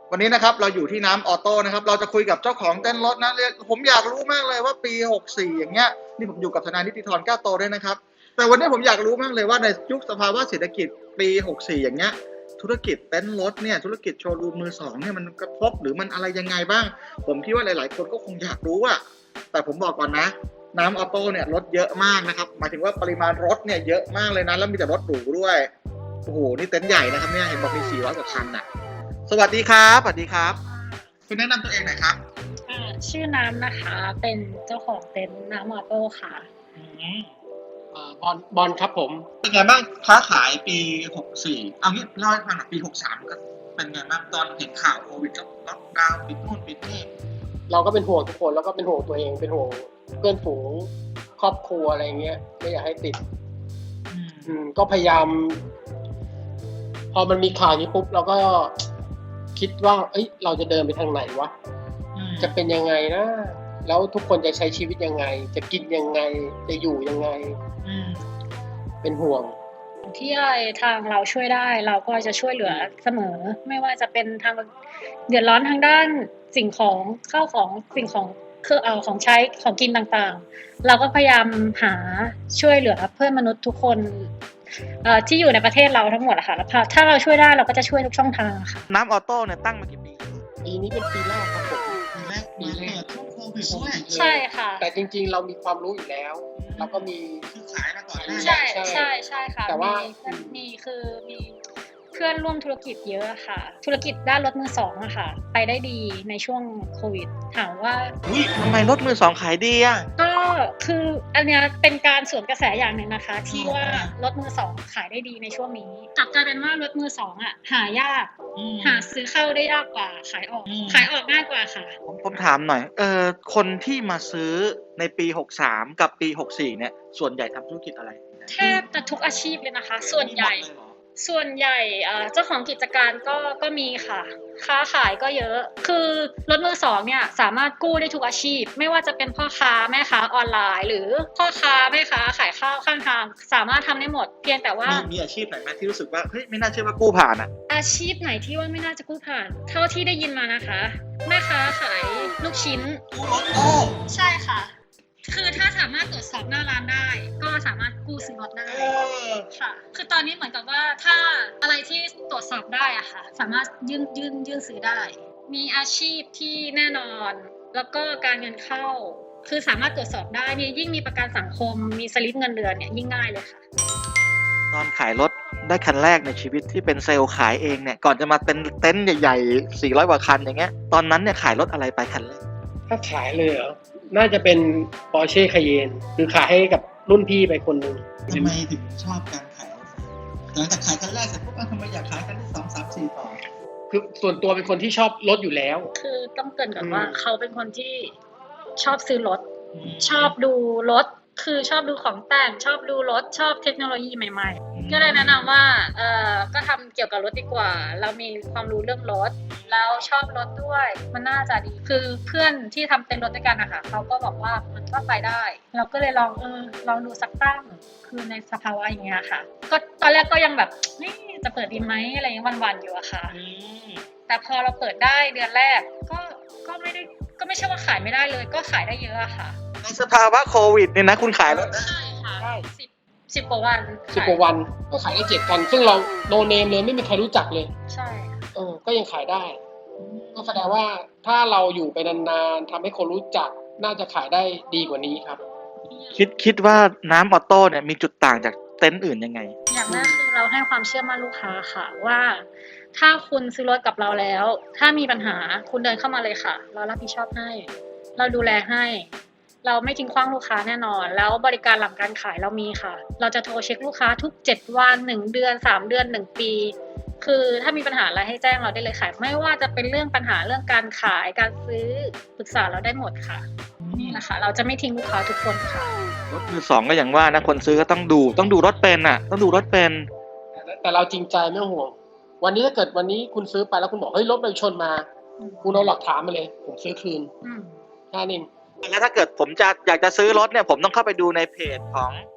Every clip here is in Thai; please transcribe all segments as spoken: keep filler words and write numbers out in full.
วันนี้นะครับเราอยู่ที่น้ำออโต้นะครับเราจะคุยกับเจ้าของเต้นรถนะผมอยากรู้มากเลยว่าปีหกสิบสี่อย่างเงี้ยนี่ผมอยู่กับทนายนิติธรแก้วโตด้วยนะครับแต่วันนี้ผมอยากรู้มากเลยว่าในยุคสภาวะเศรษฐกิจปีหกสิบสี่อย่างเงี้ยธุรกิจเต้นรถเนี่ยธุรกิจโชว์รูมมือสองเนี่ยมันกระทบหรือมันอะไรยังไงบ้างผมคิดว่าหลายๆคนก็คงอยากรู้อะแต่ผมบอกก่อนนะน้ำออโต้เนี่ยรถเยอะมากนะครับหมายถึงว่าปริมาณรถเนี่ยเยอะมากเลยนะแล้วมีแต่รถหรูด้วยโอ้โหนี่เต็นท์ใหญ่นะครับเนี่ยเห็นบอกมีสี่ร้อยกว่าคันน่ะสวัสดีครับสวัสดีครับคุณแนะนำตัวเองหน่อยครับอ่าชื่อน้ำนะคะเป็นเจ้าของเต็นท์น้ำออโต้ค่ะอืมอ่าบอลบอลครับผมเป็นไงบ้างค้าขายปีหกสิบสี่เอางี้เล่าให้ฟังหน่อยปีหกสิบสามก็เป็นไงบ้างตอนเห็นข่าวโควิดก็ล็อกดาวน์ปิดนู่นปิดนี่เราก็เป็นห่วงทุกคนแล้วก็เป็นห่วงตัวเองเป็นห่วงเพื่อนฝูงครอบครัวอะไรเงี้ยไม่อยากให้ติดอืมก็พยายาม พอมันมีข่าวนี้ปุ๊บเราก็คิดว่าเอ้ยเราจะเดินไปทางไหนวะจะเป็นยังไงนะแล้วทุกคนจะใช้ชีวิตยังไงจะกินยังไงจะอยู่ยังไงเป็นห่วงที่อะไรทางเราช่วยได้เราก็จะช่วยเหลือเสมอไม่ว่าจะเป็นทางเดือดร้อนทางด้านสิ่งของข้าวของสิ่งของเครื่องเอาของใช้ของกินต่างๆเราก็พยายามหาช่วยเหลือเพื่อนมนุษย์ทุกคนที่อยู่ในประเทศเราทั้งหมดอะค่ะแล้วถ้าเราช่วยได้เราก็จะช่วยทุกช่องทางค่ะน้ำออโต้เนี่ยตั้งมากี่ปีปีนี้เป็นปีแรกครับผมปีแรกปีแรกช่วงโควิดด้วยใช่ค่ะแต่จริงๆเรามีความรู้อยู่แล้วเราก็มีคือขายมาก่อนใช่ใช่ใช่ค่ะแต่ว่ามีคือมีเพื่อนร่วมธุรกิจเยอะค่ะธุรกิจด้านรถมือสองอะค่ะไปได้ดีในช่วงโควิดถามว่าอุ้ยทำไมรถมือสองขายดีอะก็คืออันนี้เป็นการสวนกระแสอย่างหนึ่งนะคะที่ว่ารถมือสองขายได้ดีในช่วงนี้กลับกลายเป็นว่ารถมือสองอะหายากหาซื้อเข้าได้ยากกว่าขายออกขายออกง่ายกว่าค่ะผมผมถามหน่อยเออคนที่มาซื้อในปีหกสิบสามกับปีหกสิบสี่เนี่ยส่วนใหญ่ทำธุรกิจอะไรแทบจะทุกอาชีพเลยนะคะส่วนใหญ่ส่วนใหญ่เจ้าของกิจการก็ก็มีค่ะค้าขายก็เยอะคือรถมือสองเนี่ยสามารถกู้ได้ทุกอาชีพไม่ว่าจะเป็นพ่อค้าแม่ค้าออนไลน์หรือพ่อค้าแม่ค้าขายข้าวข้างทางสามารถทำได้หมดเพียงแต่ว่ามีอาชีพไหนไหมที่รู้สึกว่าเฮ้ยไม่น่าเชื่อว่ากู้ผ่านอ่ะอาชีพไหนที่ว่าไม่น่าจะกู้ผ่านเท่าที่ได้ยินมานะคะแม่ค้าขายลูกชิ้นกู้รถโอ้ใช่ค่ะคือถ้าสามารถตรวจสอบหน้าร้านได้ก็สามารถกู้ซื้อรถได้ค่ะคือตอนนี้เหมือนกับว่าถ้าอะไรที่ตรวจสอบได้อะค่ะสามารถยื่นยื่นยื่นซื้อได้มีอาชีพที่แน่นอนแล้วก็การเงินเข้าคือสามารถตรวจสอบได้นี่ยิ่งมีประกันสังคมมีสลิปเงินเดือนเนี่ยยิ่งง่ายเลยค่ะตอนขายรถได้คันแรกในชีวิตที่เป็นเซลล์ขายเองเนี่ยก่อนจะมาเป็นเต็นท์ใหญ่ๆสี่ร้อยกว่าคันอย่างเงี้ยตอนนั้นเนี่ยขายรถอะไรไปคันแรกถ้าขายเลยเหรอน่าจะเป็น Porsche Cayenne คือขายให้กับรุ่นพี่ไปคนหนึ่งทำไมถึงชอบการขายหลังจากขายคันแรกเสร็จปุ๊บทำไมอยากขายคันที่สองสามสี่ต่อคือส่วนตัวเป็นคนที่ชอบรถอยู่แล้วคือต้องเกริ่นก่อนว่าเขาเป็นคนที่ชอบซื้อรถชอบดูรถคือชอบดูของแต่งชอบดูรถชอบเทคโนโลยีใหม่ๆก็เลยแนะนำว่าเออก็ทำเกี่ยวกับรถดีกว่าเรามีความรู้เรื่องรถแล้วชอบรถด้วยมันน่าจะดีคือเพื่อนที่ทำเต็นท์รถด้วยกันนะคะเขาก็บอกว่ามันก็ไปได้เราก็เลยลองเออลองดูสักตั้งคือในสภาวะอย่างเงี้ยค่ะก็ตอนแรกก็ยังแบบนี่จะเปิดดีไหมอะไรยังวันๆอยู่อะค่ะแต่พอเราเปิดได้เดือนแรกก็ก็ไม่ได้ก็ไม่ใช่ว่าขายไม่ได้เลยก็ขายได้เยอะอะค่ะในสภาวะโควิดเนี่ยนะคุณขายรถใช่ค่ะได้สิบสิบกว่าวันสิบกว่าวันก็ขายได้เจ็ดคันซึ่งเราโนเนมเลยไม่มีใครรู้จักเลยใช่เออก็ยังขายได้ก็แสดงว่าถ้าเราอยู่ไปนานๆทำให้คนรู้จักน่าจะขายได้ดีกว่านี้ครับคิดคิดว่าน้ำออโต้เนี่ยมีจุดต่างจากเต็นท์อื่นยังไงอย่างแรกคือเราให้ความเชื่อมั่นลูกค้าค่ะว่าถ้าคุณซื้อรถกับเราแล้วถ้ามีปัญหาคุณเดินเข้ามาเลยค่ะเรารับผิดชอบให้เราดูแลให้เราไม่ทิ้งขว้างลูกค้าแน่นอนแล้วบริการหลังการขายเรามีค่ะเราจะโทรเช็คลูกค้าทุกเจ็ดวันหนึ่งเดือนสามเดือนหนึ่งปีคือถ้ามีปัญหาอะไรให้แจ้งเราได้เลยค่ะไม่ว่าจะเป็นเรื่องปัญหาเรื่องการขายการซื้อปรึกษาเราได้หมดค่ะนี่แหละค่ะเราจะไม่ทิ้งลูกค้าทุกคนค่ะรถมือสองก็อย่างว่านะคนซื้อก็ต้องดูต้องดูรถเป็นอ่ะต้องดูรถเป็นแต่เราจริงใจไม่ห่วงวันนี้ถ้าเกิดวันนี้คุณซื้อไปแล้วคุณบอกเฮ้ยรถไปชนมาคุณเอาหลักฐานมาเลยผมซื้อคืนแค่นี้แล้วถ้าเกิดผมจะอยากจะซื้อรถเนี่ยผมต้องเข้าไปดูในเพจของก็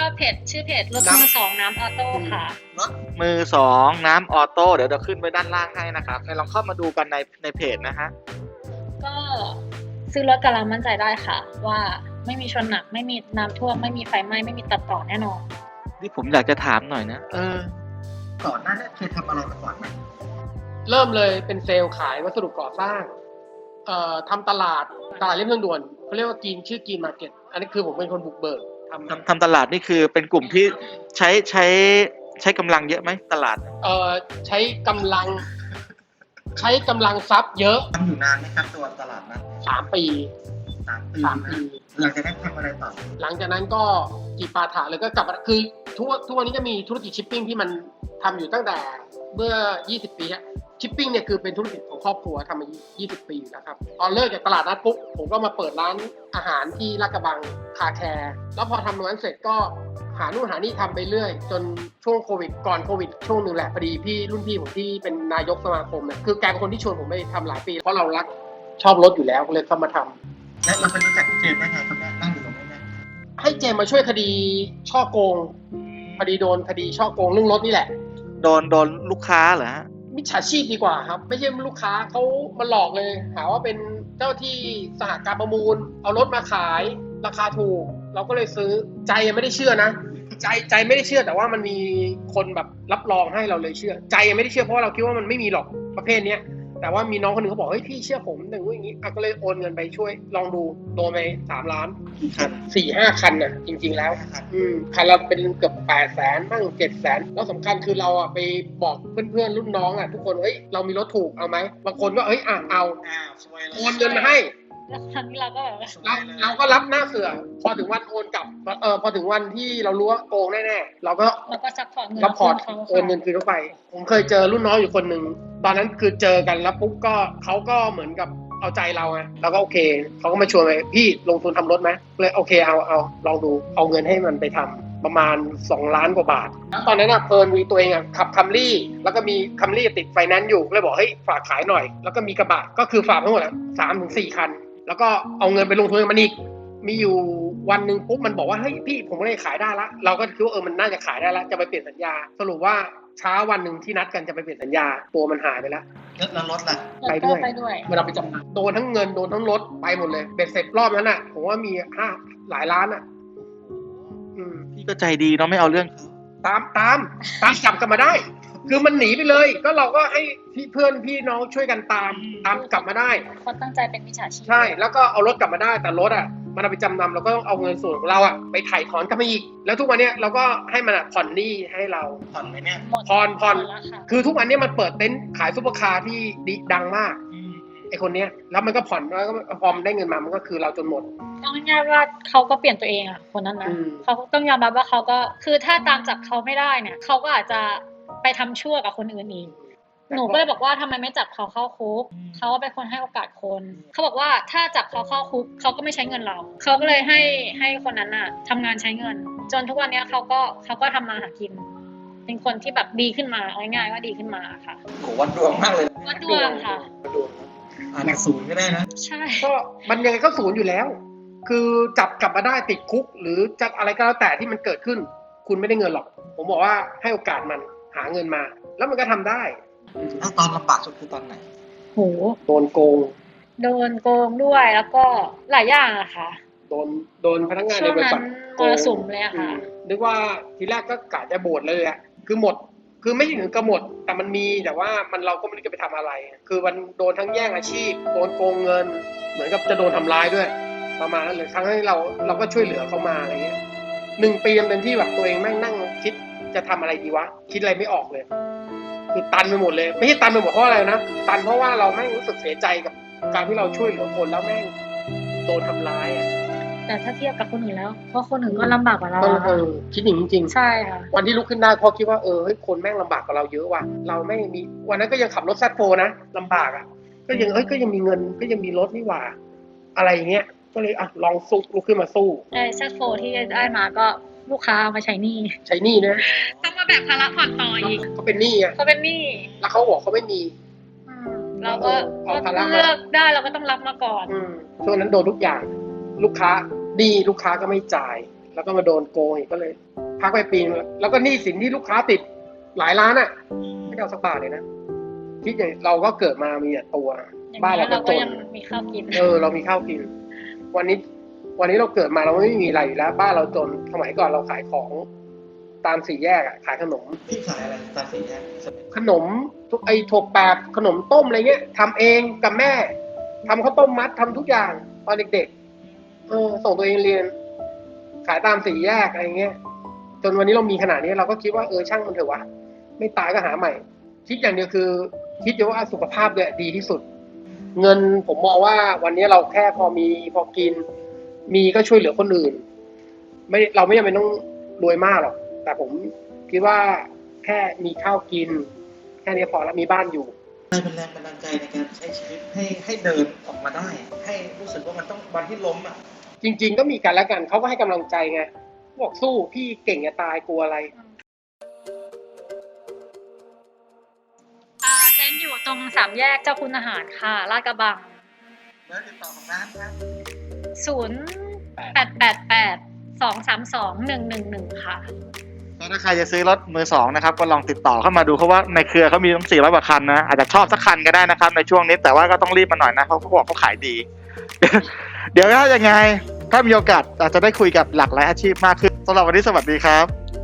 เพจชื่อเพจรถมือสองน้ำออโต้ค่ะรถมือสองน้ำออโต้เดี๋ยวเราขึ้นไว้ด้านล่างให้นะครับลองเข้ามาดูกันในในเพจนะฮะก็ซื้อรถกับเรามั่นใจได้ค่ะ ว่าไม่มีชนหนักไม่มีน้ำท่วมไม่มีไฟไหม้ไม่มีตัดต่อแน่นอนนี่ผมอยากจะถามหน่อยนะเออก่อนหน้านี้เคยทำอะไรมาก่อนไหมเริ่มเลยเป็นเซลล์ขายวัสดุก่อสร้างเอ่อทำตลาดตลาดเรียบทางด่วนเขาเรียกว่ากีนชื่อกีนมาร์เก็ตอันนี้คือผมเป็นคนบุกเบิกทำทำทำตลาดนี่คือเป็นกลุ่มที่ใช้ใช้ใช้กำลังเยอะไหมตลาดเอ่อใช้กำลัง ใช้กำลังทรัพย์เยอะทำอยู่นานไหมครับตัวตลาดนั้นสามปีสามปีสามปีหลังจากนั้นทำอะไรต่อหลังจากนั้นก็จีปาถะเลยก็กลับมาคือทุกทุกวันนี้ก็มีธุรกิจชิปปิ้งที่มันทำอยู่ตั้งแต่เมื่อยี่สิบปีอะชิปปิ้งเนี่ยคือเป็นธุรกิจของครอบครัวทำมายี่สิบปีนะครับตอนเลิกจากตลาดนัดปุ๊บผมก็มาเปิดร้านอาหารที่ลาดกระบังคาแคร์แล้วพอทำตรงนั้นเสร็จก็หานู่นหานี่ทำไปเรื่อยจนช่วงโควิดก่อนโควิดช่วงหนึ่งแหละพอดีพี่รุ่นพี่ผมที่เป็นนายกสมาคมเนี่ยคือแกเป็นคนที่ชวนผมไปทำหลายปีเพราะเรารักชอบรถอยู่แล้วก็เลยเข้ามาทำและเราไปรู้จักเจมส์ได้ไงครับเนี่ยนั่งอยู่ตรงนี้เนี่ยให้เจมมาช่วยคดีช่อโกงพอดีโดนคดีช่อโกงเรื่องรถนี่แหละโดนโดนลูกค้าเหรอฮะมิจฉาชีพดีกว่าครับไม่ใช่ลูกค้าเขามาหลอกเลยหาว่าเป็นเจ้าที่สหการประมูลเอารถมาขายราคาถูกเราก็เลยซื้อใจยังไม่ได้เชื่อนะใจใจไม่ได้เชื่อแต่ว่ามันมีคนแบบรับรองให้เราเลยเชื่อ ใจยังไม่ได้เชื่อเพราะว่าเราคิดว่ามันไม่มีหรอกประเภทเนี้ยแต่ว่ามีน้องคนหนึ่งเขาบอกเฮ้ยพี่เชื่อผมหนึ่งอย่างนี้อ่ะก็เลยโอนเงินไปช่วยลองดูโดนไปสามล้านครับสี่ห้าคันน่ะจริง ๆแล้ว อืมคันเราเป็นเกือบแปดแสนบ้างเจ็ดแสนแล้วสำคัญคือเราอ่ะไปบอกเพื่อนๆรุ่นน้องอ่ะทุกคนเฮ้ยเรามีรถถูกเอาไหมบางคนก็เฮ้ยอ่ะเอาอ้าวสวยเลยโอนเงินมาให้แล้วครั้งนี้เราก็แบบว่าเราเราก็รับหน้าเสือพอถึงวันโอนกลับเออพอถึงวันที่เรารู้ว่าโกงแน่ๆเราก็เราก็ซัพพอร์ตเงินรับพอร์ตเขาโอนเงินคืนเข้าไป ผมเคยเจอรุ่นน้องอยู่คนหนึ่งตอนนั้นคือเจอกันแล้วปุ๊บก็เขาก็เหมือนกับเอาใจเราไงเราก็โอเคเขาก็มาชวนไปพี่ลงทุนทำรถไหมเลยโอเคเอาเอาลองดูเอาเงินให้มันไปทำประมาณสองล้านกว่าบาทแล้วตอนนั้นอ่ะเพลินมีตัวเองอ่ะขับคัมรี่แล้วก็มีคัมรี่ติดไฟแนนซ์อยู่เลยบอกเฮ้ยฝากขายหน่อยแล้วก็มีกระบะก็คือฝากทั้งหมดอ่ะสามถึงสี่คันแล้วก็เอาเงินไปลงทุนกับมันอีกมีอยู่วันหนึ่งปุ๊บมันบอกว่าเฮ้ยพี่ผมเลยขายได้ละเราก็คิดว่าเออมันน่าจะขายได้ละจะไปเปลี่ยนสัญญาสรุปว่าเช้าวันหนึ่งที่นัดกันจะไปเปลี่ยนสัญญาตัวมันหายไปแล้วแล้วรถล่ะไปด้วยไปด้วยเวลาไปจำนำโดนทั้งเงินโดนทั้งรถไปหมดเลยเบ็ดเสร็จรอบนั้นอ่ะผมว่ามีห้าหลายล้านอ่ะอืมพี่ก็ใจดีเนาะไม่เอาเรื่องตามตามตามจับกลับมาได้ คือมันหนีไปเลยก็เราก็ให้พี่เพื่อนพี่น้องช่วยกันตามตามกลับมาได้เขาตั้งใจเป็นมิจฉาชีพใช่แล้วก็เอารถกลับมาได้แต่รถอ่ะมันเอาไปจำนำเราก็ต้องเอาเงินส่วนของเราอ่ะไปถ่ายถอนกลับมาอีกแล้วทุกวันเนี้ยเราก็ให้มันอ่ะผ่อนหนี้ให้เราผ่อนไหมเนี่ยหมดผ่อนผ่อนหมดแล้วค่ะคือทุกวันเนี้ยมันเปิดเต็นท์ขายซุปเปอร์คาร์ที่ดีดังมากไอคนเนี้ยแล้วมันก็ผ่อนแล้วก็พอมนได้เงินมามันก็คือเราจนหมดต้องง่ายๆว่าเขาก็เปลี่ยนตัวเองอ่ะคนนั้นนะอืมเขาต้องยอมรับว่าเขาก็คือถ้าตามจับเขาไม่ได้เนี่ยเขาก็อาจจะไปทำชั่วกับคนอื่นอีกหนูก็เลยบอกว่าทำไมไม่จับเขาเข้าคุกเขาก็เป็นคนให้โอกาสคนเขาบอกว่าถ้าจับเขาเข้าคุกเขาก็ไม่ใช้เงินเราเขาก็เลยให้ให้คนนั้นน่ะทำงานใช้เงิน จนทุกวันเนี้ยเขาก็เขาก็ทำมาหากิน เป็นคนที่แบบดีขึ้นมาเอาง่ายๆว่าดีขึ้นมาค่ะโหวัดดวงมากเลยวัดดวงค่ะวัดดวงอาจจะศูนย์ก็ได้นะใช่ก็มันยังไงก็ศูนย์อยู่แล้ว คือจับกลับมาได้ติดคุก หรือจะอะไรก็แล้วแต่ที่มันเกิดขึ้น คุณไม่ได้เงินหรอก ผมบอกว่าให้โอกาสมันหาเงินมา แล้วมันก็ทำได้แล้วตอนลำบากสุดคือตอนไหนโหโดนโกงโดนโกงด้วยแล้วก็หลายอย่างอะค่ะโดนโดนพนักงานช่ในวงบรินั้ษันทมรสุมเลยอะค่ะอืมนึกว่าทีแรกก็กะจะโบดเลยอะคือหมด คือไม่ถึงกับหมด แต่มันมีแต่ว่ามันเราก็ไม่รู้จะไปทำอะไร คือมันโดนทั้งแย่งอาชีพ โดนโกงเงิน เหมือนกับจะโดนทำร้ายด้วย ประมาณนั้นเลยทั้งที่เราเราก็ช่วยเหลือเขามาอะไรเงี้ยหนึ่งปีมันเป็นที่แบบตัวเองแม่งนั่งคิดจะทำอะไรดีวะ คิดอะไรไม่ออกเลย คือตันไปหมดเลย ไม่ใช่ตันไปหมดเพราะอะไรนะ ตันเพราะว่าเราแม่งรู้สึกเสียใจกับการที่เราช่วยเหลือคนแล้วแม่งโดนทำร้ายอ่ะแต่ถ้าเทียบกับคนอื่นแล้ว เพราะคนอื่นก็ลำบากกว่าเราเอออะเออคิดอย่างนี้จริงใช่ค่ะวันที่ลุกขึ้นได้เพราะคิดว่าเออเฮ้ยคนแม่งลำบากกว่าเราเยอะว่ะเราไม่มีวันนั้นก็ยังขับรถแซดโฟนะลำบากอ่ะก็ยังเอ้ยก็ยังมีเงินก็ยังมีรถนี่หว่า อะไรอย่างเงี้ยก็เลยอ่ะลองสู้ลุกขึ้นมาสู้ไอ้แซดโฟที่ได้มาก็ลูกค้าเอามาใช้หนี้ใช้หนี้นะต้องมาแบกภาระผ่อนต่ออีกเขาเป็นหนี้อ่ะเขาเป็นหนี้แล้วเขาบอกเขาไม่มีอืมเราก็เอาภาระมาเลือกได้เราก็ต้องรับมาก่อนอืมช่วงนั้นโดนทุกอย่าง ลูกค้าดีลูกค้าก็ไม่จ่าย แล้วก็มาโดนโกงอีกก็เลยพักไปปีนึงแล้วก็หนี้สินที่ลูกค้าติดหลายล้านอ่ะไม่ได้เอาสักบาทเลยนะคิดอย่างเราก็เกิดมามีแต่ตัวอย่างบ้านนี้เราก็เราจก็นยังมีข้าวกินเออเรามีข้าวกิน วันนี้ วันนี้เราเกิดมาเราไม่มีอะไรอยู่แล้ว บ้านเราจนสมัยก่อนเราขายของตามสี่แยกอะขายขนมพี่ขายอะไรตามสี่แยกขนมทุกไอ้ถั่วแปบขนมต้มอะไรเงี้ยทำเองกับแม่ทำข้าวต้มมัดทำทุกอย่างตอนเด็กๆเออส่งตัวเองเรียน ขายตามสี่แยกอะไรเงี้ยจนวันนี้เรามีขนาดนี้เราก็คิดว่าเออช่างมันเถอะวะไม่ตายก็หาใหม่ คิดอย่างเดียวคือ คิดอยู่ว่าสุขภาพเนี่ยดีที่สุด เงินผมมองว่าวันนี้เราแค่พอมีพอกิน มีก็ช่วยเหลือคนอื่น ไม่เราไม่จำเป็นต้องรวยมากหรอกแต่ผมคิดว่าแค่มีข้าวกิน แค่นี้พอแล้วมีบ้านอยู่อะไรเป็นแรงบันดาลใจในการใช้ชีวิตให้ให้เดินออกมาได้ ให้รู้สึกว่ามันต้องวันที่ล้มอ่ะจริง ๆ ก็มีกันและกันเขาก็ให้กำลังใจไงบอกสู้พี่เก่งจะตายกลัวอะไรอ่าเต้นอยู่ตรงสามแยกเจ้าคุณอาหารค่ะลาดกระบังแล้วติดต่อของร้านครับศูนย์แปดแปดแปดสองสามสองหนึ่งหนึ่งหนึ่งค่ะถ้าใครจะซื้อรถมือสองนะครับก็ลองติดต่อเข้ามาดูเพราะว่าในเครือเขามีตั้งสี่ร้อยกว่าคันนะอาจจะชอบสักคันก็ได้นะครับในช่วงนี้แต่ว่าก็ต้องรีบมาหน่อยนะเขาเขาบอกเขาขายดี เดี๋ยวถ้ายังไงถ้ามีโอกาสอาจจะได้คุยกับหลากหลายอาชีพมากขึ้นสำหรับวันนี้สวัสดีครับ